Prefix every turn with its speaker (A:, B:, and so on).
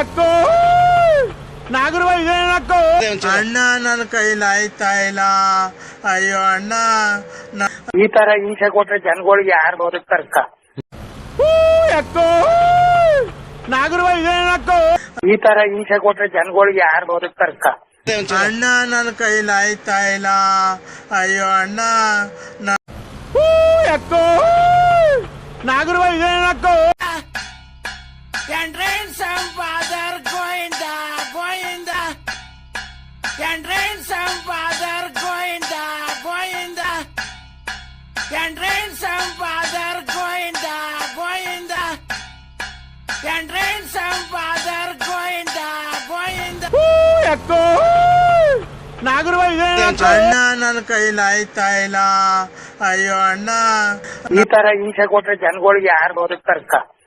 A: ಯಾಕೋ ನಾಗರ
B: ಅಣ್ಣ ನನ್ನ ಕೈಲಿ ಆಯ್ತಾ ಇಲ್ಲ. ಅಯ್ಯೋ ಅಣ್ಣ,
C: ಈ ತರ ಹಿಂಸೆ ಕೊಟ್ರೆ ಜನಗಳಿಗೆ ಯಾರು ಬದುಕ್ತಾರಕ್ಕ?
A: ಯಾಕೋ ನಾಗರ
C: ಈ ತರ ಹಿಂಸೆ ಕೊಟ್ರೆ ಜನಗಳಿಗೆ ಯಾರು ಬದುಕ್ತಾರಕ್ಕ?
B: ಅಣ್ಣ ನನ್ನ ಕೈಲಿ ಆಯ್ತಾ ಇಲ್ಲ. ಅಯ್ಯೋ ಅಣ್ಣ,
A: ಯಾಕೋ ನಾಗರ ಸಂಪಾದರ್ ಗೋವಿಂದ ಗೋವಿಂದ ಸಂಪಾದರ್ ಗೋವಿಂದ ಗೋವಿಂದ ಸಂಪಾದರ್ ಗೋವಿಂದ ಗೋವಿಂದ ಸಂಪಾದರ್ ಗೋವಿಂದ ಗೋವಿಂದ ಯಾಕೋ ನಾಗರ
B: ಅಣ್ಣ ನನ್ನ ಕೈಲಿ ಆಯ್ತಾ ಇಲ್ಲ. ಅಯ್ಯೋ ಅಣ್ಣ,
C: ಈ ತರ ಹಿಂಸೆ ಕೊಟ್ರೆ ಜನಗಳಿಗೆ ಯಾರು ಬದುಕ್ತಾರಕ್ಕ?